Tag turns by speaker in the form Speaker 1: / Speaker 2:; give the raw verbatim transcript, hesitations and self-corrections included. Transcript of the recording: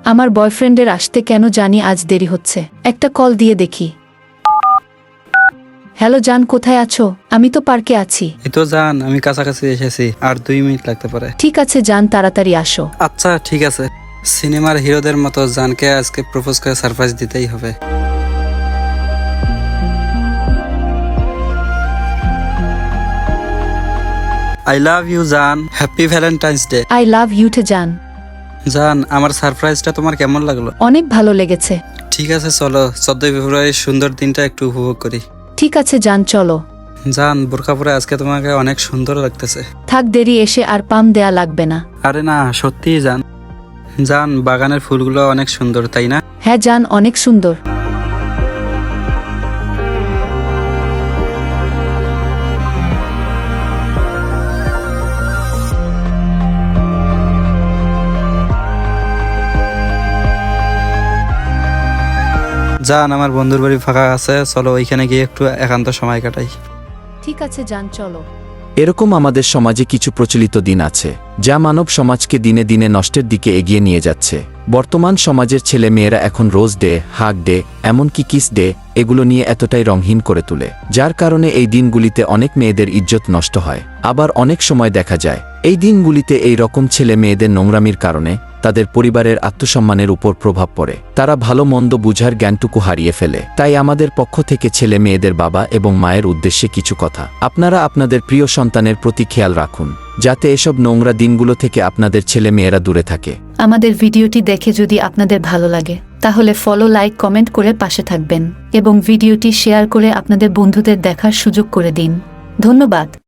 Speaker 1: আমার বয়ফ্রেন্ডের আসতে কেন জানি আজ দেরি হচ্ছে। একটা কল দিয়ে দেখি। হ্যালো জান, কোথায় আছো? আমি তো পার্কে আছি।
Speaker 2: এই তো জান, আমি কাছাকাছি এসেছি, আর দুই মিনিট লাগতে পারে।
Speaker 1: ঠিক আছে জান, তাড়াতাড়ি আসো।
Speaker 2: আচ্ছা ঠিক আছে। সিনেমার হিরোদের মতো জানকে আজকে প্রপোজ করে সারপ্রাইজ দিতেই হবে। আই লাভ ইউ জান, happy Valentine's day.
Speaker 1: I love you too জান।
Speaker 2: জান, আমার সারপ্রাইজটা তোমার কেমন লাগলো?
Speaker 1: অনেক ভালো লেগেছে।
Speaker 2: ঠিক আছে চলো, চোদ্দই ফেব্রুয়ারির সুন্দর দিনটা একটু উপভোগ করি।
Speaker 1: ঠিক আছে জান, চলো।
Speaker 2: জান, বোরকা পরে আজকে তোমাকে অনেক সুন্দর লাগতেছে।
Speaker 1: থাক, দেরি এসে আর পাম দেয়া লাগবে না।
Speaker 2: আরে না, সত্যিই জান। জান, বাগানের ফুলগুলো অনেক সুন্দর, তাই না?
Speaker 1: হ্যাঁ জান, অনেক সুন্দর।
Speaker 2: জান, আমার বন্ধুর বাড়ি ফাঁকা আছে, চলো ওইখানে গিয়ে একটু একান্ত সময় কাটাই।
Speaker 1: ঠিক আছে জান, চলো।
Speaker 3: এরকম আমাদের সমাজে কিছু প্রচলিত দিন আছে যা মানব সমাজকে দিনে দিনে নষ্টের দিকে এগিয়ে নিয়ে যাচ্ছে। বর্তমান সমাজের ছেলে মেয়েরা এখন রোজ ডে, হাগ ডে, এমনকি কিস ডে এগুলো নিয়ে এতটাই রঙহীন করে তোলে, যার কারণে এই দিনগুলিতে অনেক মেয়েদের ইজ্জত নষ্ট হয়। আবার অনেক সময় দেখা যায় এই দিনগুলিতে এই রকম ছেলে মেয়েদের নোংরামির কারণে তাদের পরিবারের আত্মসম্মানের উপর প্রভাব পড়ে। তারা ভালো মন্দ বুঝার জ্ঞানটুকু হারিয়ে ফেলে। তাই আমাদের পক্ষ থেকে ছেলে মেয়েদের বাবা এবং মায়ের উদ্দেশ্যে কিছু কথা। আপনারা আপনাদের প্রিয় সন্তানের প্রতি খেয়াল রাখুন, যাতে এসব নোংরা দিনগুলো থেকে আপনাদের ছেলে মেয়েরা দূরে থাকে।
Speaker 1: আমাদের ভিডিওটি দেখে যদি আপনাদের ভালো লাগে তাহলে ফলো, লাইক, কমেন্ট করে পাশে থাকবেন এবং ভিডিওটি শেয়ার করে আপনাদের বন্ধুদের দেখার সুযোগ করে দিন। ধন্যবাদ।